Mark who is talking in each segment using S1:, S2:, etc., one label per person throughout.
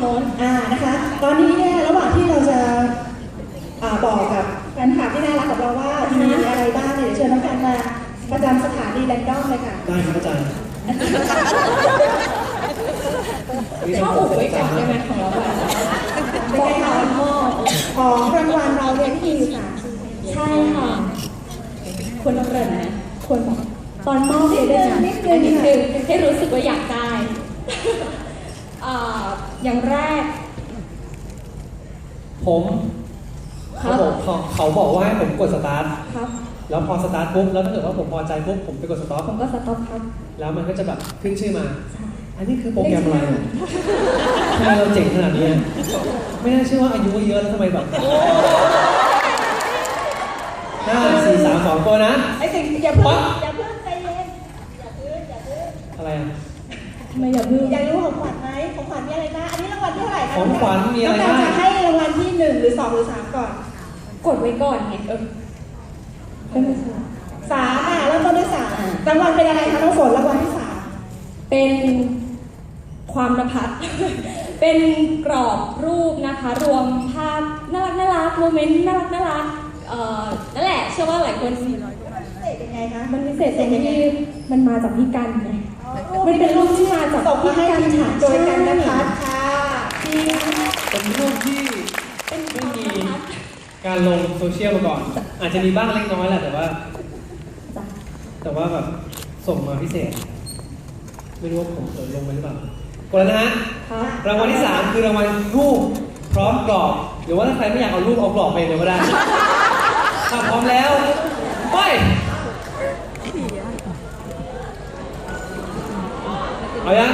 S1: น้น
S2: นะคะตอนนี้เนี่ยระหว่างที่เราจะบอกกับแฟนคลับที่น่ารักของเราว่ามีอะไรบ้างเนี่ยเชิญน้องกันมาประจำสถานีแรนดอมเลยค่ะ
S3: ได้ครับอาจารย์
S1: ชอบอุบไว้ก่อนได้ไหมของเราแบบ
S2: เป็นไงคะของรางวัลเราเนี่ยที่มีอยู่3ชิ้น
S1: ใช่ค่ะควรต้องเริ่มนะควรบอกตอนมอบเลยด้วยนะนิดนึงให้รู้สึกว่าอยากได้อย่างแรก
S3: ผมเขาบอกว่าให้ผมกดสตาร์ท
S1: ครับ
S3: แล้วพอสตาร์ทปุ๊บแล้วถ้าเกิดว่าผมพอใจปุ๊บผมไปกดสต็อป
S1: ผมก็สต็อปครับ
S3: แล้วมันก็จะแบบขึ้นชื่อมาอันนี้คือโปรแกรมอะไรทำไมเราเจ๋งขนาดนี้ไม่น่าเชื่อว่าอายุเยอะแล้วทำไมแบบ5 4 3 2ตัวนะ
S2: ไอ้สิ่งอย่าเพิ่งใจเย็นอย่าเพิ่ง
S3: อะไร
S1: ทำไมอย่าเพิ่ง
S2: อยากรู้ของขวัญไหมของขวัญมีอะไรบ้างอันนี้รางวัลที่เท่าไหร่คะ
S3: ของขวัญมีอะไรบ้าง
S2: จะให้รางวัลที่1หรือ2หรือ3ก่อน
S1: กดไว้ก่อนไงเป็น
S2: 3แล้วต้นด้วย3รางวัลเป็นอะไรคะน้องฝนรางวัลที่3
S1: เป็นความนภัสเป็นกรอบรูปนะคะรวมภาพน่ารักโมเมนต์น่ารักนั่นแหละเชื่อว่าหลายคน
S2: เป็นไงคะ
S1: มันพิเศษตรงที่มันมาจากพี่กันไงมันเป็นรูปที่มาจาก
S2: พี่กันค่ะโดยกันนะคะค่ะ
S3: เป็นรูปที่ไม่มีการลงโซเชียลมาก่อนอาจจะมีบ้างเล็กน้อยแหละแต่ว่าแบบส่งมาพิเศษไม่รู้ว่าผมลงไปหรือเปล่ากดแล้วนะฮะรางวัลที่3คือรางวัลรูปพร้อมกรอบหรือว่าถ้าใครไม่อยากเอารูปเอากรอบไปเลยก็ได้ถ้าพร้อมแล้วไปเอายัง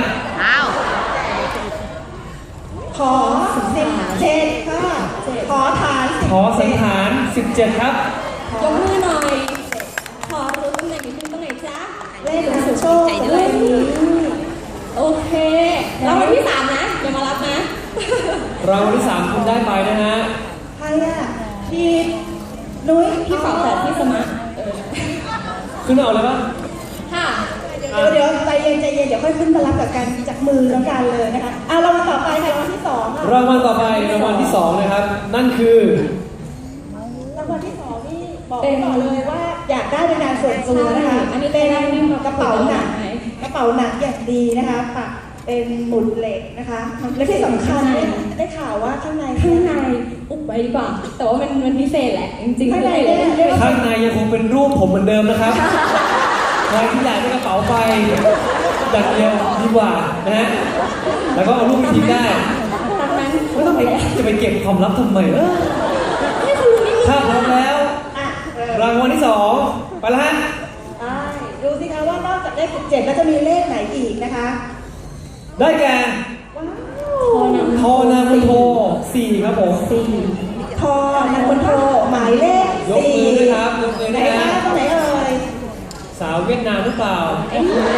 S2: ขอ17ค่ะขอ
S3: สังหาร17ครับ
S1: ยกมือหน่อยขอรู้ตำแหน่งนิดนึงตรงไหนจ๊ะ
S2: เลขสุดโชค
S1: ด้วยโอเครางวัลที่3นะอย่ามารับนะ
S3: รางวัลที่3คุณได้ไปนะฮะ
S2: ใครพี่นุ้ย
S1: พี่ฝาแฝดพี่สมาร์ท
S3: ขึ้นเอาเลยปะ
S1: ค่ะ
S2: เดี๋ยวใจเย็นเดี๋ยวค่อยขึ้นมารับกับกันจากมือน้องกันเลยนะคะรางวัลต่อไปค่ะรางวัลที่2ค่ะ
S3: รางวัลต่อไปรางวัลที่2นะครับนั่นคือ
S2: รางวัลที่2นี่บอกเลยว่าอยากได้เป็นงานส่วนตัวนะคะ
S1: อันนี้เป็น
S2: กระเป๋าหนักอย่างดีนะคะปักเป็นหมุดเหล็กนะคะและที่สำคัญได้ข่าวว่าข้างใน
S1: อุบไว้ดีกว่าแต่ว่ามันพิเศษแหละจริงๆ
S3: ข้างในยังคงเป็นรูปผมเหมือนเดิมนะครับใครที่อยากได้กระเป๋าไปจัดเดียวดีกว่านะฮะแล้วก็เอารูปไปทิ้งได้ไม่ต้องจะไปเก็บความลับทำไมถ้าพร้อมแล้วรางวัลที่2ไปแล้วฮะ
S2: ดูสิคะว่านอกจากเลข17แล้วจะมีเลขไหนอีกนะคะ
S3: ได้แก่ทอนามโท4ครับผม
S2: ทอนามโทหมายเลข4
S3: ยกมือด้วยครับยกมือด้วยนะ
S2: ตรงไหนเอ่ย
S3: สาวเวียดนามหรือเปล่า
S4: นี่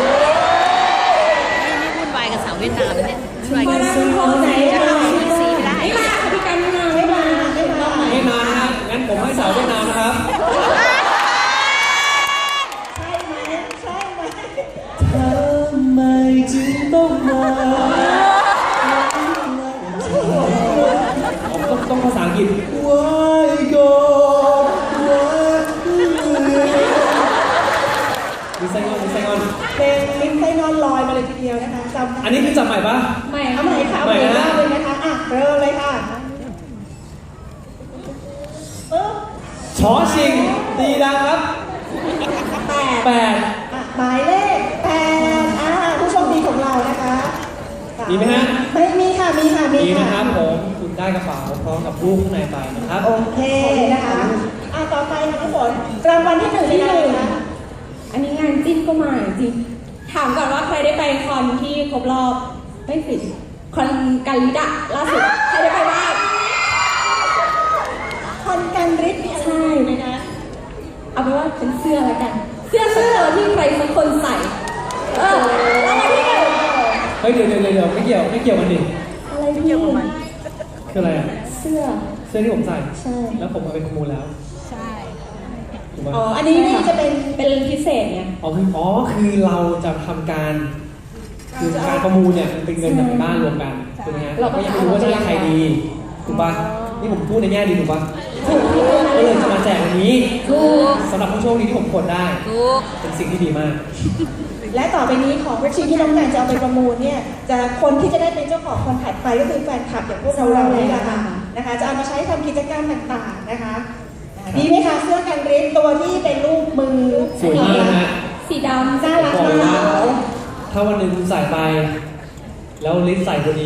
S4: วุ่นวายกับสาวเวียดนามเนี่ยช่วยกัน
S1: ซื้อของไหน
S4: จะทำซีไม่ได้
S1: ไม่มาพี่กันไม่มา
S3: นะฮะงั้นผมให้สาวเวียดนามนะครับทำไมจึงต้องมาต้องภาษาอังกฤษ Why God มิสไซงอน
S2: เป็นมิสไซงอนลอยมาเลยทีเดียวนะคะ
S3: อันนี้คือจำใหม่ปะ
S2: ใหม่ค่ะใหม่เลยนะคะเริ่มเลยค่ะ
S3: ชอชิงดีดังครับ
S2: 8หมายเลข8ผู้โชคดีของเรานะคะ
S3: มีไหมฮะ
S2: ไม่มีค่ะมี
S3: นะครับผมคุณได้กระเป๋าพร้อมกับรูปข้างในไปนะครับ
S2: โอเคนะคะต่อไปค่ะทุกคนรางวัลที่1ที่1นะ
S1: อันนี้งานจิ้นก็มาจริงถามก่อนว่าใครได้ไปคอนที่ครบรอบไม่ผิดคอนกันลิดะล่าสุดใครได้ไปบ้าง
S2: คอนกันริด
S1: ใช่ไหมนะเอาเป็นว่าเป็นเสื้อแล้วกันเสื้อที่ใครสักคนใส่รางวัลที่1
S3: เฮ้ยเดี๋ยวไม่เกี่ยวกันดิ
S1: อะไรไม่เกี่ยวกับมัน
S3: คืออะไร
S1: เสื้อ
S3: ที่ผมใส่
S1: ใช่
S3: แล้วผมมาเป็นขโมยแล้ว
S4: ใช่
S2: อันนี้จะเป็น
S1: พิเศษไง
S3: คือเราจะทำการคือการประมูลเนี่ยมันเป็นเงินจากในบ้านรวมกันถูกไหมฮะเราก็ยังไม่รู้ว่าจะได้ใครดีถูกป่ะนี่ผมพูดในแง่ดีถูกป่ะก็เลยจะมาแจกวันนี้สำหรับผู้โชคดีที่ผมกดได้
S4: ถูก
S3: เป็นสิ่งที่ดีมาก
S2: และต่อไปนี้ของชิ้นที่น้องการจะเอาไปประมูลเนี่ยจะคนที่จะได้เป็นเจ้าของคนถัดไปก็คือแฟนคลับอย่างพวกเรานี่แหละค่ะนะคะจะเอามาใช้ทำกิจกรรมต่างๆนะคะดีไหมคะเสื้อกันริ้นตัวที่เป็นรูปมือ
S3: สวยมากนะฮะ
S1: สีดำ
S2: น่ารัก
S3: บอกเลย
S2: มา
S3: ว่าก ถ้าวันหนึ่งคุณใส่ไป แล้วลิ้นใส่พอดี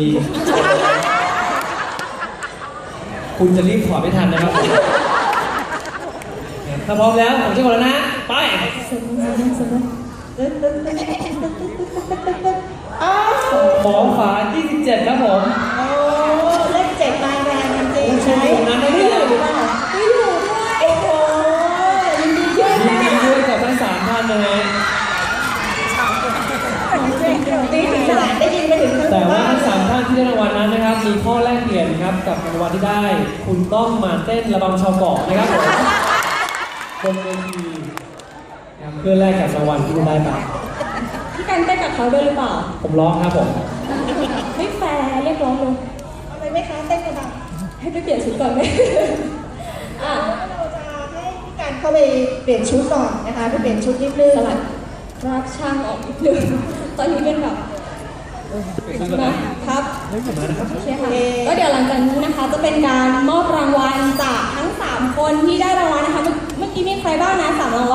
S3: คุณจะรีบถอดไม่ทันนะครับถ้าพร้อมแล้วผมจะกดแล้วนะ ไป
S2: อ้าว
S3: ของฝา27ครับผม
S2: โอ้เลขเจ็ดมาแรงจริงๆ
S3: ใช่ผมนั้นได้
S2: ไม่
S3: เล
S2: อย ยู่ด้วยไม่อยู่ด้วยโอ้โหยินดีด้วย
S3: ยิน
S2: ค่ะ
S3: ดีด้วยกับทั้ง3ท่านนะฮะ
S2: ตีถึงขนาดได้ยินไปถึง
S3: แต่ว่าทั้ง3ท่านที่ได้รางวัลนั้นนะครับ มีข้อแลกเปลี่ยนครับกับรางวัลที่ได้ คุณต้องมาเต้นระบำชาวเกาะนะครับผมบนเวทีนะครับเพื่อแลกกับรางวัลที่คุณได้ไป
S1: พี่กันเต้นกับเขาด้วยหรือเปล่า
S3: ผมร้องครับผม
S1: ไม่แฟร์เรียกร้องเลย
S2: เอาไปไหมคะเต้นกันบ้าง
S1: ให้ไปเปลี่ยนชุดก่อนไหม อ่ะ
S2: เราจะให้พี่การเข้าไปเปลี่ยนชุดก่อนนะคะไปเปลี่ยนชุดนิดนึง
S1: สลัดรักช่างออกนิดนึงตอนนี้เป็นแบบนะครับโอเคค่ะก็เดี๋ยวหลังจากนี้นะคะจะเป็นการมอบรางวัลจากทั้ง 3 คนที่ได้รางวัลนะคะ เมื่อกี้มีใครบ้างนะ3 รางวัล